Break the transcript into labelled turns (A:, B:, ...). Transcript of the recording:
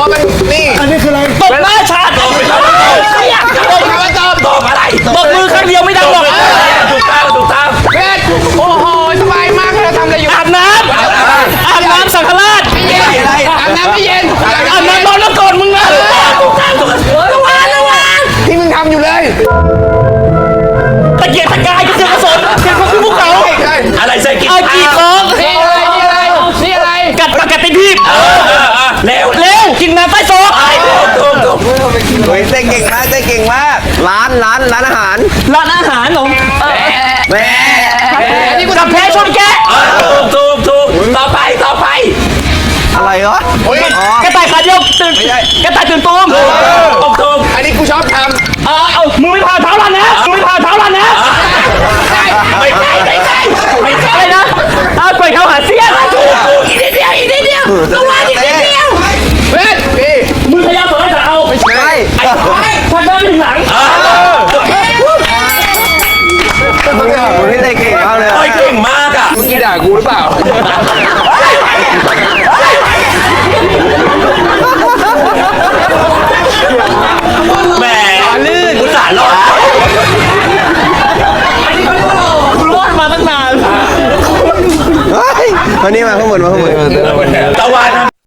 A: มันนี่
B: อันนี้คืออะไร
C: ตบหน้าชาติตบอะไรตบมือข้างเดียวไม่ดังหรอกถูกต้อง
A: เพชรโอ้โหสบายมากเราทำอะไรอยู่
C: อาบน้ำสังฆราช
A: ไม่เย็นอาบน้ำไม่เย็น
C: อาบน้ำนอนแล้วก่อนมึงนะถูกต้อง
A: ที่มึงทำอยู่เลย
C: ตะเกียกตะกายกระเสือกกระสนเกียกของขึ้นภูเขาอะไรใส่กีของ
A: นี่อะไร
C: กัดปากกัดติดทีบเร็วกินน้ำใต้โซ่ถูก
D: เฮ้ยเต้นเก่งมากเต้นเก่งมากร้านอาหาร
C: ร้านอาหารเหรอ
D: แม่
A: อันนี้กู
C: กับ
A: ทำ
C: แพ้ชนแกะถูกต่อไป
D: อะไรวะอ๋อก
C: ระต่ายขาเดียวตื่นกระต่ายตื่นตูมถูก
A: อันนี้กูชอบท
C: เอามึงไม่ผ่าเท้ารันนะไม่ใช่อะไรนะปล่อยเขาหาเสี้ยนถูกอีกนิดเดียวต้องว่าอีกนิดเดียว
A: ำเพชรพี่
C: มึงพยายามสอนให้เอา
D: ใช่
C: ทางด้านถึงหลัง
D: คนที่เต้นเก่งมากเลย
C: เก่งมากอ่ะ
A: เมื่อกี้ด่ากูหรือเปล่า
C: แหมลื่นอุตส่าห์รอดรอดมาตั้งนาน
D: เฮ้ยมานี่มาข้างบน